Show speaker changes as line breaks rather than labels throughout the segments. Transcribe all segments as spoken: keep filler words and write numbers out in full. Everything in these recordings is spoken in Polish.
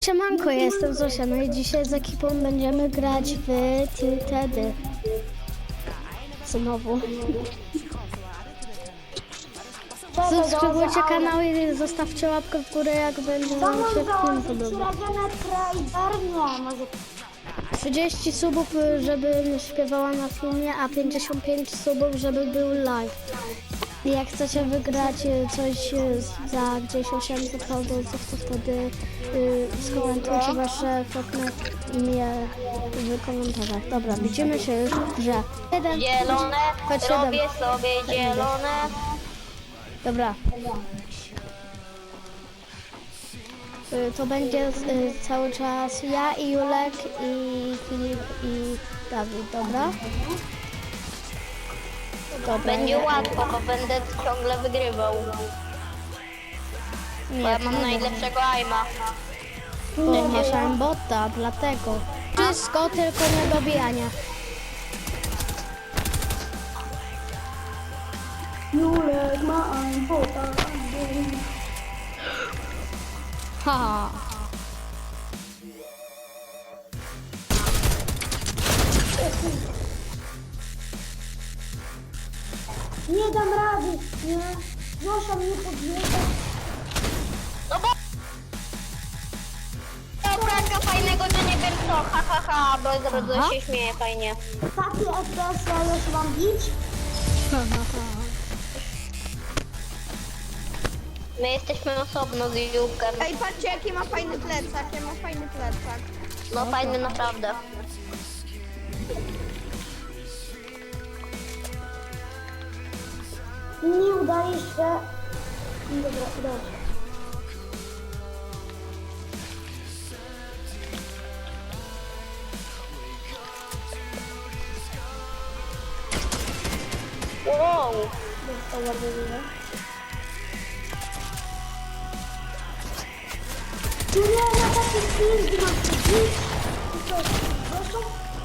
Siemanko, ja jestem Zosia, no i dzisiaj z ekipą będziemy grać w Tiltedy. Znowu. Subskrybujcie kanał i zostawcie łapkę w górę, jak będzie wam się film podobał. trzydzieści subów, żebym śpiewała na filmie, a pięćdziesiąt pięć subów, żeby był live. I jak chcecie wygrać coś za gdzieś osiemset fałdolców, to wtedy yy, skomentujcie wasze fotne imię w komentarzach. Dobra, widzimy się już w grze. Jeden,
Zielone,
chodź,
robię
siedem.
sobie zielone.
Dobra. Yy, to będzie yy, cały czas ja i Julek i Filip i Dawid, dobra? Dobra,
Będzie
nie.
łatwo, bo będę ciągle wygrywał. Bo ja mam najlepszego aima.
Bo masz aimbota, dlatego. Wszystko, tylko nie dobijania.
Julek ma aimbota.
Ha.
Nie dam rady, nie. Zosia mnie podjeżdża.
No bo... To taka fajnego, że nie wiem co, ha ha ha, bo bardzo się śmieje fajnie.
Takie F P S ja już mam bić.
My jesteśmy osobno z Jułkiem.
Ej, patrzcie jaki ma fajny plecak, ja ma fajny plecak.
No fajny naprawdę.
Nie udaje się. Dobra, udało się.
Wow.
Dostała wyrywa. Tu nie ma takich film, gdzie mam się bić. I co, proszę?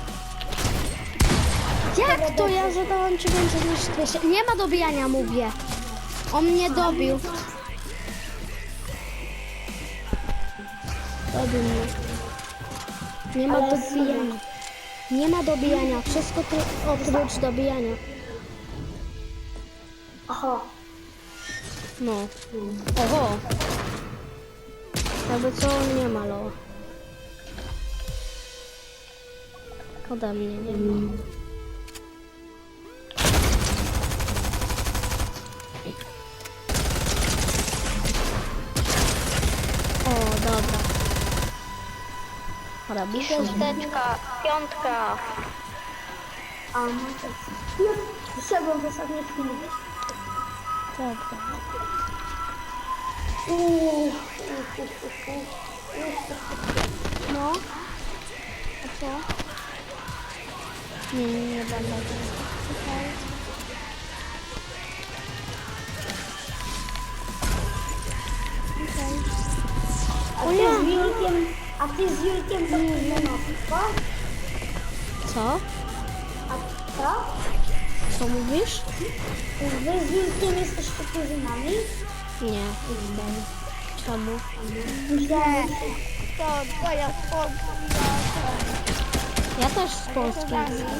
Jak to ja zadałam ci więcej niż dwieście? Nie ma dobijania, mówię. On mnie dobił. Dobił mnie. Nie ma
Ale
dobijania. Nie ma dobijania. Wszystko tu oprócz dobijania.
Aha.
No. Oho. Jakby co, on nie ma loa. Ode mnie nie ma. O, dobra. Robi się.
Szósteczka, piątka.
A, no to jest. Wyszedłem w ostatniej chwili.
Dobra.
Uuu.
No. A co? Nie, nie, nie będę. Okej. Okej.
A
O
ty
ja.
z Julkiem, a ty z Julkiem to nie ma,
Co?
A co?
Co mówisz?
Wy z Julkiem jesteście kuzynami?
Nie, jestem. Czemu?
Myślałem, że...
To twoja spokój.
Ja też z Polski jestem.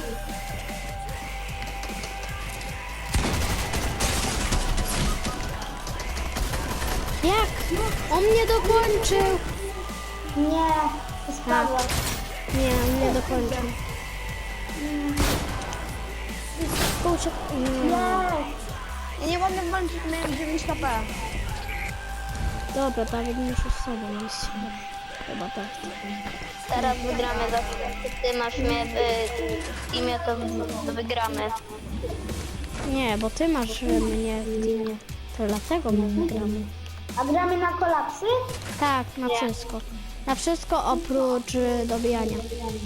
Jak? On mnie dokończył!
Nie, spadłem.
Nie, on mnie dokończył. Kurczę, nie.
Nie.
Ja nie mogę włączyć, miałem dziewięć K P.
Dobra, Dawid muszę z sobą iść. Chyba tak.
Teraz wygramy za chwilę. Ty masz mnie w imię, to wygramy.
Nie, bo ty masz mnie w teamie. To dlatego my wygramy.
A gramy na kolapsy?
Tak, na wszystko. Na wszystko oprócz y, dobijania.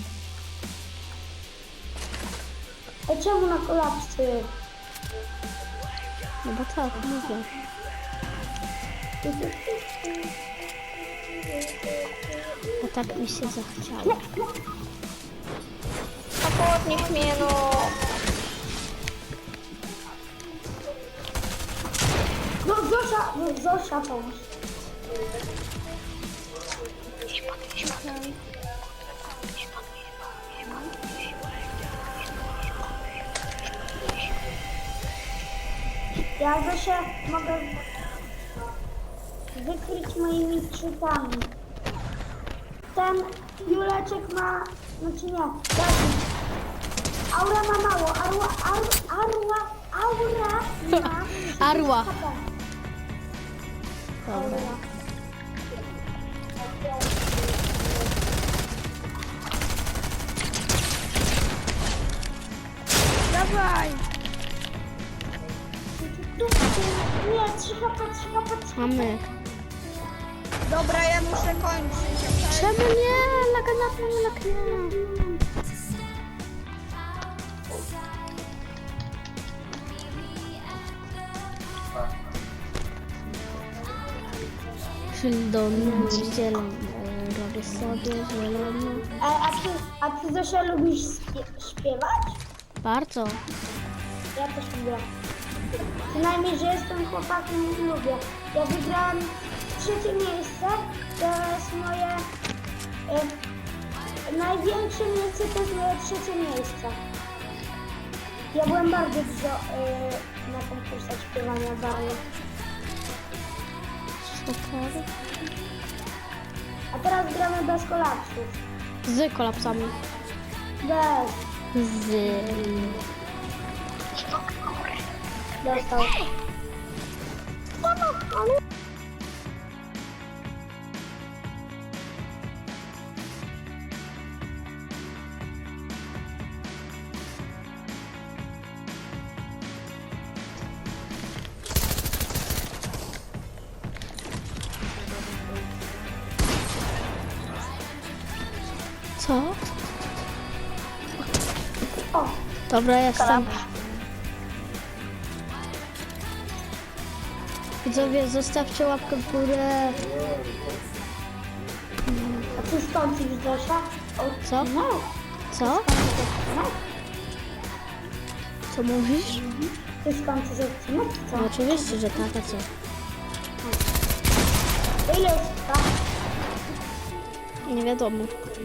A czemu na kolapsy?
No bo tak, mówię. Bo tak mi się zachciało.
No podnieś mnie, no.
No Zosia, no Zosia pomóż.
Gdzieś pod
Ja Zosia mogę wykryć moimi czytami. Ten Juleczek ma, znaczy nie, Dawid. Aura ma mało, arła, ar, arła, aura ma
Arła.
H P.
Dobra.
Dawaj!
Tu, tu, nie, trzy H P, trzy H P, trzy H P.
Mamy.
Dobra, ja muszę kończyć. okej?
Czemu nie? Laga na tym, lag nie. Sheldon, zielony, robię sobie zielony.
E, a, ty, a ty Zosia lubisz śpie- śpiewać?
Bardzo.
Ja też lubię. Przynajmniej, że jestem chłopakiem i lubię. Ja wygrałem trzecie miejsce, to jest moje e, największe miejsce, to jest moje trzecie miejsce. Ja byłem bardzo dużo e, na konkursach śpiewania bardzo.
Super.
A teraz gramy bez kolapsów.
Z kolapsami.
Bez.
Z.
Dostał.
Co?
O,
Dobra, jestem. Widzowie, zostawcie łapkę w górę.
a ty skończysz Zosia? O,
Co?
no.
Co?
No.
Co mówisz?
Ty skończysz odcinek, co?
No oczywiście, że tak, a co?
Ile jest tak?
Nie wiadomo.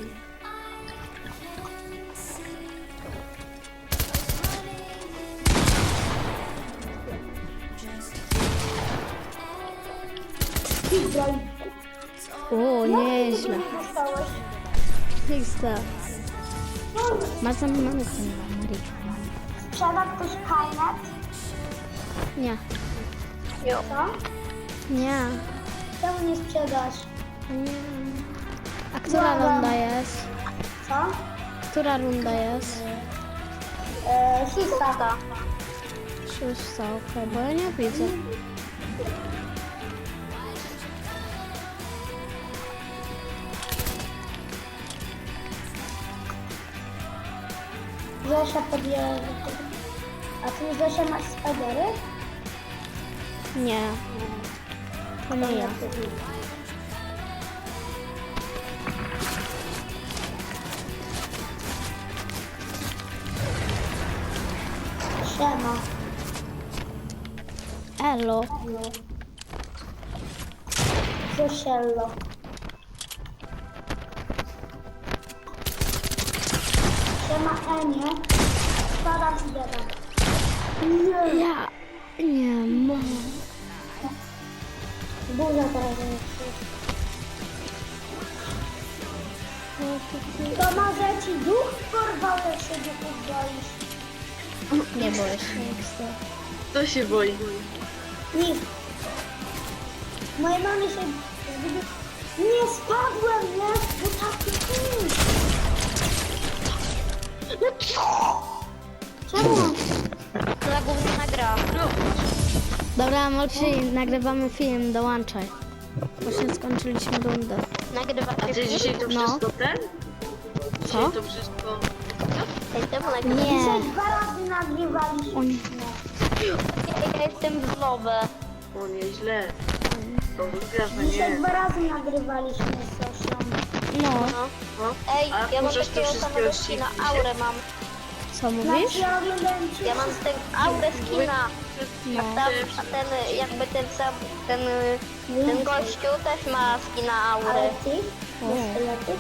Widzę.
O, nieźle.
Dostałeś.
Lista. Masz za mamy Marii.
Sprzeda ktoś kajnet?
Nie.
Co?
Nie.
Czemu nie sprzedasz?
Nie. A która
Dobra.
runda jest?
Co?
Która runda jest?
Eee, szósta.
Szósta, okej, bo ja nie widzę.
Zosia podjęła. A ty Zosia masz spadery?
Nie. To nie ja.
Siema.
Elo.
Zosiello. Siema Enie. Spadam i dedam. Nie.
Ja nie mogę.
Burza teraz jest. To może ci duch porwał, jak się duchów boisz?
Nie boję się.
Kto się boi?
Nikt. Mojej mamy się zgubił. Nie spadłem, nie? Bo taki film. Czemu?
Za gówniana gra.
Dobra, Moksi, nagrywamy film, dołączaj. Właśnie skończyliśmy rundę.
Nagrywa
A
się
ty dzisiaj to
No.
wszystko ten?
Co?
Dzisiaj to wszystko...
Jestem nagrywa.
Dzisiaj
Nie.
dwa razy nagrywaliśmy.
O nie.
Ja jestem w lobę.
O, nieźle. To wygrasz, no
Dzisiaj
nie.
dwa razy nagrywaliśmy z Zosią.
No,
No.
No.
Ej,
A
ja mam
możesz te
takiego
wszystkie
samego
odcinki
skina,
dzisiaj?
aurę mam.
co
Znaczy
mówisz?
ja oglądałem cię
Ja mam
wszystkie.
ten aurę skina.
No.
A, tam, a ten jakby ten sam, ten, ten gościu też ma skina
Ale
aury.
ty? Sztyletyk.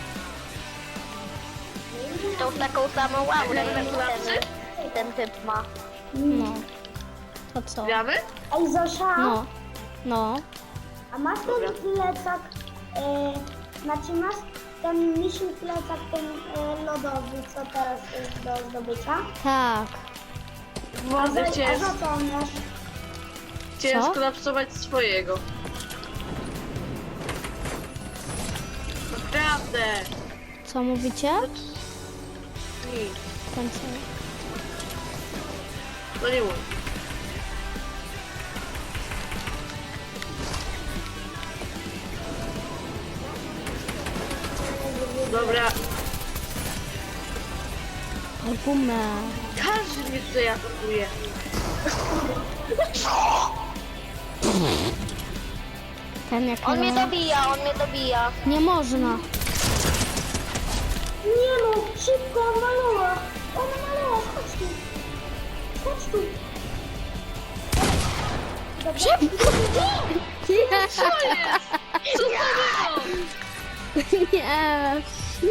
Tą taką samą aurę ten, ten typ ma.
No. To co?
Gramy?
Ej, Zosia,
No. No.
a masz ten plecak, e, znaczy masz ten misi plecak, ten e, lodowy, co teraz jest do zdobycia?
Tak.
A
Władzę
za, a
chciałem,
za co on masz?
chciałem
Co?
skolapsować swojego. Naprawdę!
Co mówicie?
Nic.
Ten co?
No nie mówię. Dobra,
Argument.
każdy mnie tutaj atakuje.
Ten jak
On mnie
ma...
dobija, on mnie dobija.
Nie można.
Nie no, szybko, on malała. On malała, chodź tu. Chodź tu.
Szybko!
Co jest? Co to było?
Nie.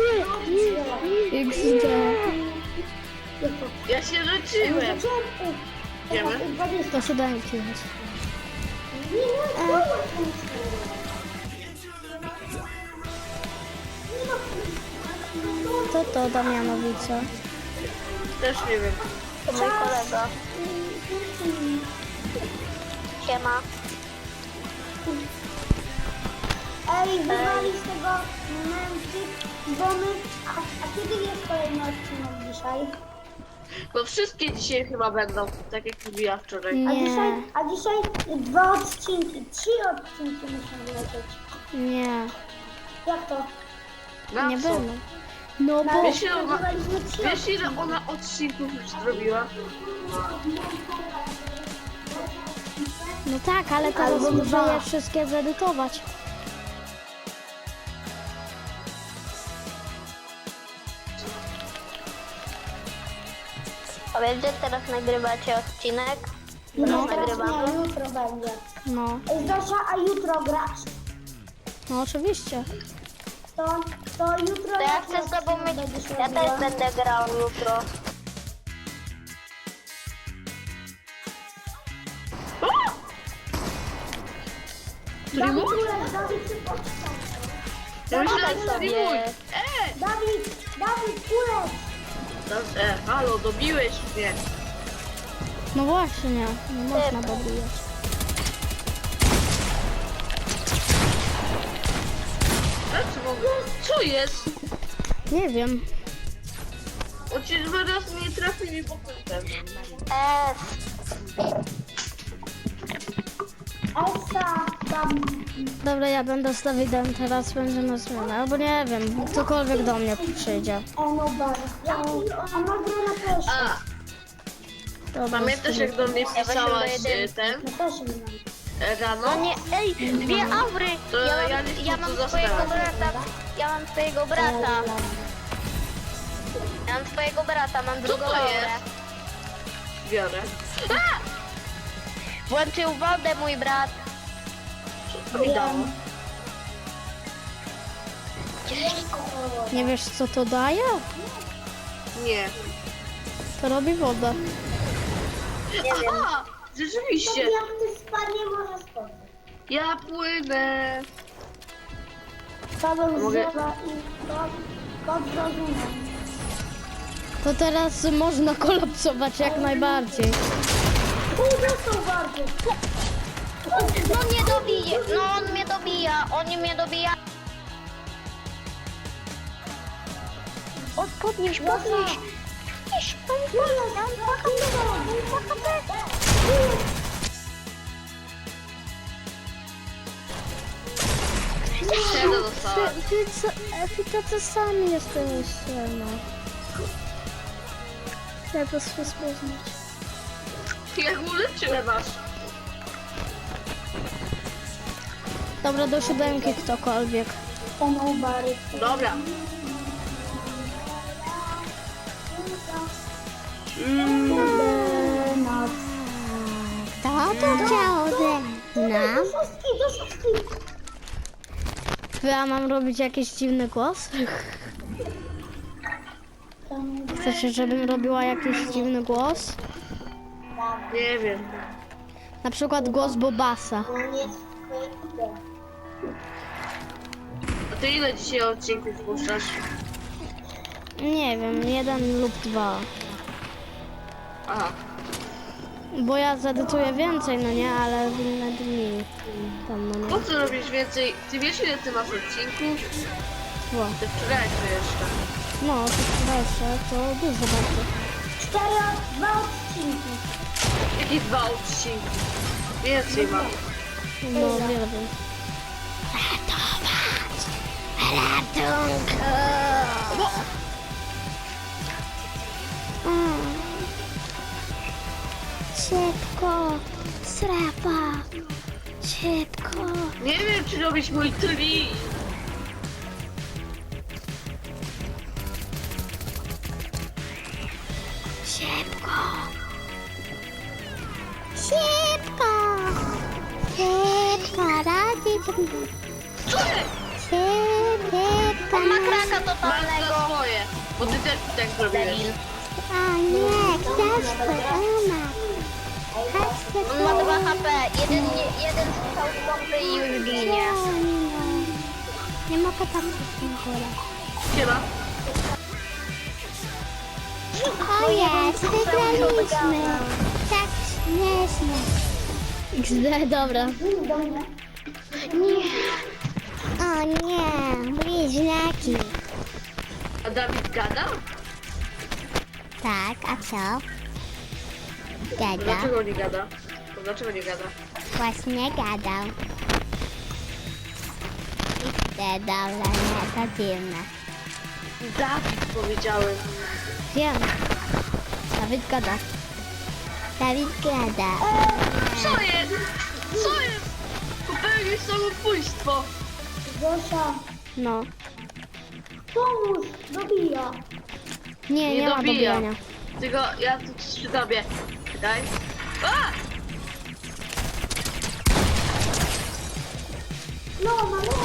X D.
Ja się leczyłem. Wiemy?
To siódemki jest. Co to Damianowice?
Też nie wiem.
To mój kolega. Siema.
Ej, wywali z tego momenty, bo my... A, a kiedy jest kolejny odcinek dzisiaj?
Bo wszystkie dzisiaj chyba będą, tak jak mówiła wczoraj.
A
Nie.
dzisiaj, a dzisiaj dwa odcinki, trzy odcinki muszą wylecieć.
Nie.
Jak to?
Na
Nie
co?
będą. No
Na
bo...
Wiesz, ile ona,
nagrywaliśmy trzy
wiesz ile ona odcinków już zrobiła?
No tak, ale teraz
Albo
muszę
dwa.
je wszystkie zedytować.
A wiesz, że teraz nagrywacie odcinek?
No,
No,
teraz
nagrywamy.
nie, jutro będzie.
No.
Ej, Zosia, a jutro grasz?
No oczywiście.
To, to jutro...
To ja
jaki
chcę z tobą
odcinek
mieć...
będziesz
Ja
robiła?
też będę grał jutro.
Który mój?
Dawid, Dawid, ty poczekaj.
Ja myślałem,
Dawaj
że to
sobie.
mój. E!
Dawid, Dawid, kulec!
No, e, halo, dobiłeś mnie.
No właśnie, nie można dobijać.
Znaczy mogę? Co jest?
Nie wiem.
On ci dwa razy nie trafił mi po tym.
S.
Elsa, tam...
Dobra, ja będę z Dawidem, teraz będziemy zmianę. Albo nie wiem, ktokolwiek do mnie przyjdzie.
Enobar. A ma grę na też.
A,
Dobra,
pamiętasz jak do mnie
Ja
pisałaś
właśnie do
e, ten
Ja też nie mam.
e,
No
rano?
nie, ej, dwie aury!
To
Ja
ja
mam,
nie chcę
ja
tu
mam
zostać.
twojego brata, ja mam twojego brata. Ja mam twojego brata, mam drugą
to
aurę.
jest? Biorę.
Włączył wodę mój brat.
Co mi dało?
Nie wiesz co to daje?
Nie.
To robi wodę.
Nie wiem.
Aha! Rzeczywiście!
Jak ty spadnie, może spadnie.
Ja płynę!
Paweł
Mogę-
zjeba i kod, kod zrozumiem.
To teraz można kolapsować jak najbardziej.
Pół dostał bardzo.
No mnie dobije, no on mnie dobija, on mnie dobija. O, podnieś, podnieś. Podnieś,
Czego dostałem?
Wy, wy, co, wy tacy sami jesteście, no. Jak was rozpoznać?
Jak uleczyłem was?
Dobra, do siódemki ktokolwiek.
Enobar.
Dobra.
Noc.
Kto to chciał ze
Do szóstki, do szóstki.
To ja mam robić jakiś dziwny głos? Chcecie, żebym robiła jakiś dziwny głos?
Nie wiem.
Na przykład głos Bobasa.
A ty ile dzisiaj odcinków puszczasz?
Nie wiem, jeden lub dwa.
Aha.
Bo ja zedytuję więcej, no nie, ale w inne dni. Tam, no
Po
nie.
co robisz więcej? Ty wiesz ile ty masz odcinków?
Bo.
Ty wczorajszy jeszcze.
No, to jeszcze, to dużo bardzo.
Cztery, dwa odcinki.
Jakie dwa odcinki? Więcej mam.
No, wiele wiem. Ratować! Ratunku! Mm. Szybko! Strefa! Szybko!
Nie wiem czy robić mój tri.
Szybko! Szybko! Szybko! Radzi!
Co jest?
Szybko!
On ma kraka
Masz
totalnego.
za swoje. Bo ty też tak zrobiłeś.
Debil.
A nie, książkę, ona.
On ma dwa H P. Jeden, nie- jeden strzał z pompy i już ginie.
Nie mogę tam w tym górę.
Siema.
O jest, wygraliśmy. Tak śmiesznie. X D, dobra. Nie. O nie, bliźniaki.
A Dawid gada?
Tak, a co? Gada.
Dlaczego nie gada? To dlaczego nie gada?
Właśnie gadał. X D, dobra, nie, to dziwne.
Dawid powiedziałem.
Wiem. Dawid gada. Dawid gada.
Co jest? Co jest? Popełniłeś samobójstwo.
Zosia,
No.
pomóż, dobija.
Nie, nie,
Nie
ma
dobija.
dobijania.
Tylko ja tu przy tobie. Daj. A!
No, no, no.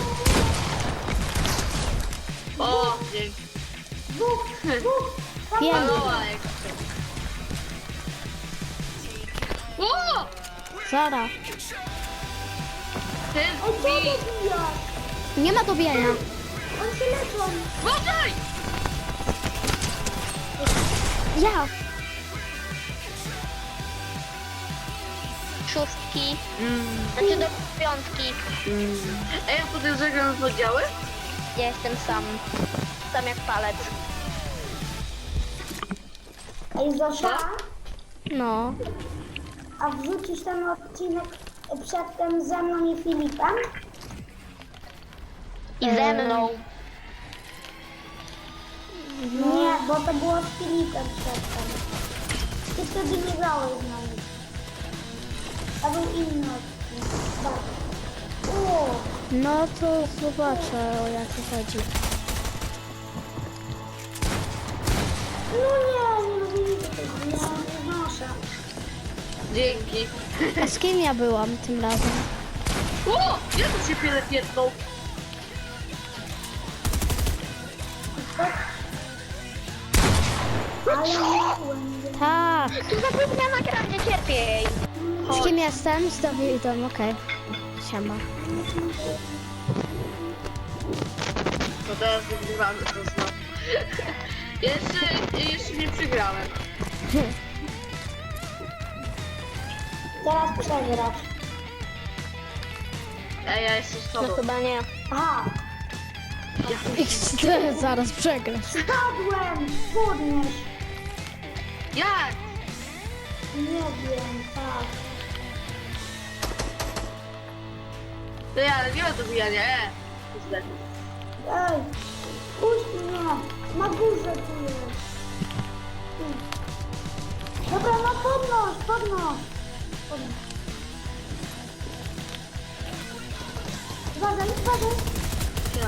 O, dzięki.
Dwóch, dwóch.
Wiem.
Maloła jak O!
Zara.
Ten
Ej, co
mi!
dobija?
Nie ma dobijania.
On się leczą.
Uważaj!
Ja.
Szóstki. Znaczy do piątki.
Ej, a potem zagram w oddziały?
Ja jestem sam. Sam jak palec.
Ej, Zosia,
No.
a wrzucisz ten odcinek przedtem ze mną i Filipem?
I ze mną.
Nie, bo to było z Filipem przedtem. Ty wtedy nie grałeś z nami. To był inny odcinek. Tak. O,
No to zobaczę, o jakie chodzi.
no nie, nie lubię tego, nie, nie znoszę.
Dzięki.
A z kim ja byłam tym razem?
O! Ja tu się piele pierdną.
Ale miałem.
Tak.
Tu zapomniałam nagranie, cierpiej.
Z kim jestem? Z Dawidem, okej. Siema.
To teraz wygrywamy to znowu. Jeszcze, jeszcze nie przegrałem.
Teraz przegrasz.
Ej, ja jestem z
No
tobą.
chyba nie.
Aha,
X D, zaraz przegrasz.
spadłem! Podnieś!
Jak?
Nie wiem, tak.
To ja, ale nie ma dobijania, e. Źle.
Ej, puść mnie! Na górze tu jest. Tu. Dobra, no podnoś, podnoś. Podnoś. Uważaj, uważaj.
Ja.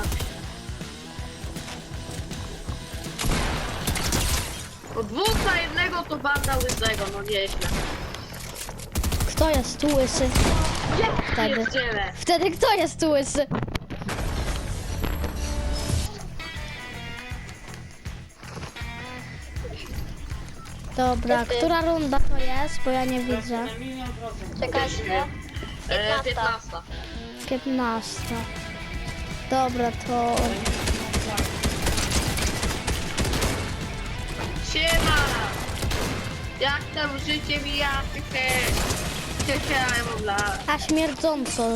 Po dwóch na jednego to banda łysego, no nieźle.
Kto jest tu łysy? Wtedy.
Pierdziele.
Wtedy kto jest tu łysy? Dobra, która runda to jest? Bo ja nie widzę.
Czekajcie.
E, piętnasta.
piętnasta. Dobra, to...
Siema! Jak tam życie mija? Hehe, ja mam lat.
A śmierdząco.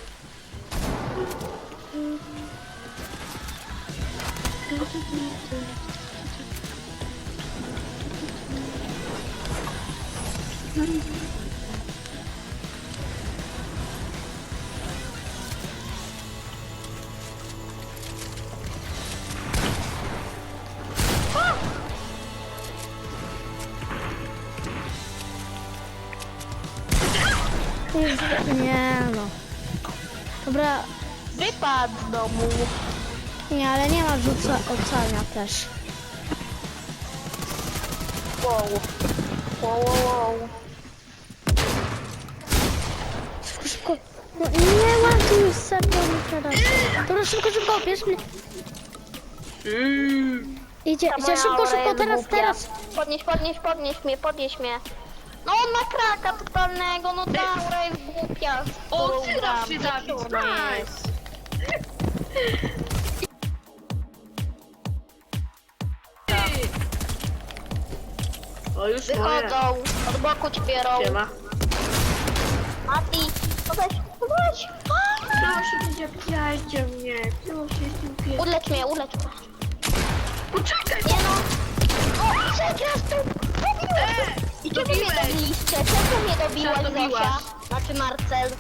Nie no. Dobra,
Wypadł z domu.
nie, ale nie ma rzuca ocenia też.
Wow. Wow, wow, wow.
Szybko, szybko. No, nie ładuj serio mi teraz. Dobra, szybko, szybko, bierz mnie.
Mm.
Idzie,
Ta
idzie,
moja
szybko,
aura
szybko,
jest
teraz,
głupia.
teraz.
Podnieś, podnieś, podnieś mnie, podnieś mnie. No on ma kraka totalnego, no ta aura jest głupia. z
O,
którą
przyda
gram.
się Dawid,
Ona jest.
nice! Ty! O, już moje.
Wychodzą, od boku ci biorą.
Siema.
Mati, podejdź, podejdź.
Proszę, nie zabijajcie mnie. Proszę, jestem pies.
Ulecz mnie, ulecz mnie.
Poczekaj!
Nie no. O, przegrasz tu.
E,
I czemu mnie
dobiłeś.
dobiliście? Czemu mnie dobiłaś,
Co dobiłaś?
Zosia? Znaczy Marcel.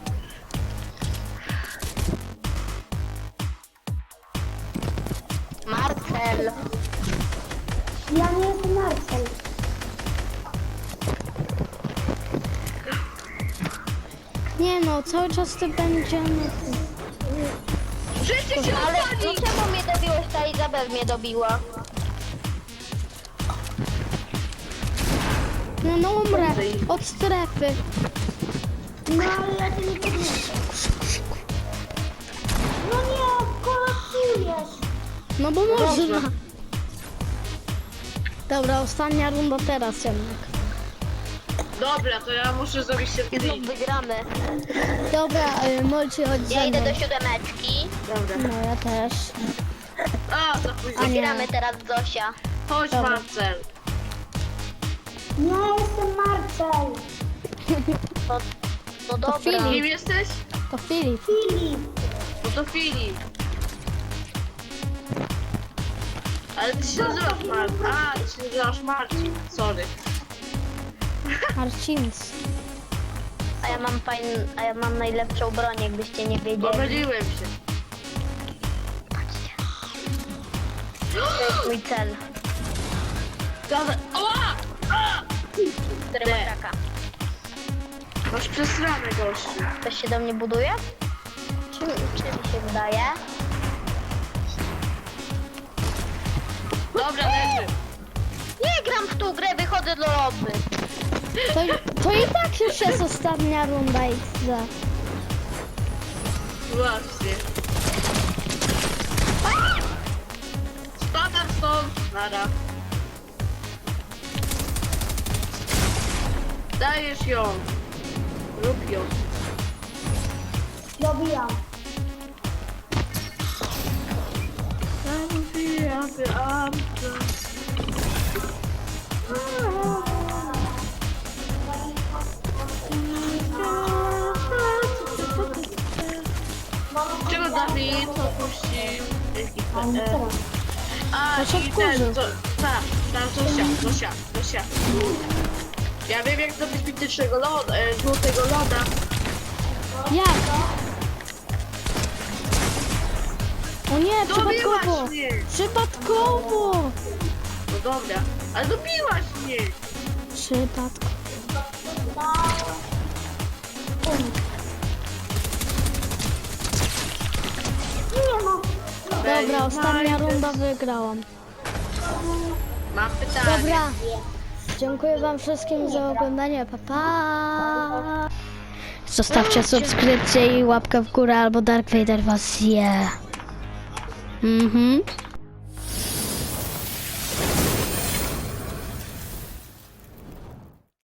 Marcel.
Ja nie jestem Marcel.
Nie no, cały czas ty będziemy...
Życie się
Ale no
odpali!
czemu mnie dobiłeś? Ta Izabel mnie dobiła.
No, no umrę od strefy.
No ale ja cię nie podniosę. No nie, kolapsujesz.
No bo można. Dobra, ostatnia runda teraz jednak.
Dobra, to ja muszę zrobić się
I znów wygramy.
Dobra, y, Molci, chodź
Ja
ze
idę
mną.
do siódemeczki.
Dobra.
No ja też.
A, za późno.
A nie.
Gramy teraz Zosia.
Chodź,
Dobra.
Marcel.
Nie jestem Marcel.
No, no dobra.
Filip.
Kim jesteś?
To Filip.
Filip.
No to Filip. Ale ty się nazywasz Marcin. A, ty się nazywasz Marcin. Sorry.
Marcins.
A ja mam fajn, a ja mam najlepszą broń, jakbyście nie wiedzieli.
Pomyliłem się.
To jest mój cel,
Dawaj. Oła! A!
który ma kraka.
Masz przesrane, gościu.
Ktoś się do mnie buduje? Czy, czy mi się wydaje?
Dobra, leży.
Nie gram w tą grę, wychodzę do lobby.
To, to i tak już jest ostatnia runda X D.
Właśnie. Spadam stąd. Nara. Dajesz ją. Rób ją.
Dobijam.
Czego Dawid opuścił ekipę? E, A,
To się
i
wkurzył.
ten, to, tak, ta Zosia, Zosia, Zosia. Ja wiem jak zrobić mitycznego loda, e, złotego loda.
Jak? O nie, przypadkowo.
Dobiłaś mnie!
Przypadkowo.
No dobra, ale dobiłaś mnie!
Przypadkowo.
Nie no.
Dobra, ostatnia runda wygrałam.
Mam pytanie.
Dobra. Dziękuję wam wszystkim za oglądanie. Pa, pa. Zostawcie subskrypcję i łapkę w górę, albo Dark Vader was zje. Mhm.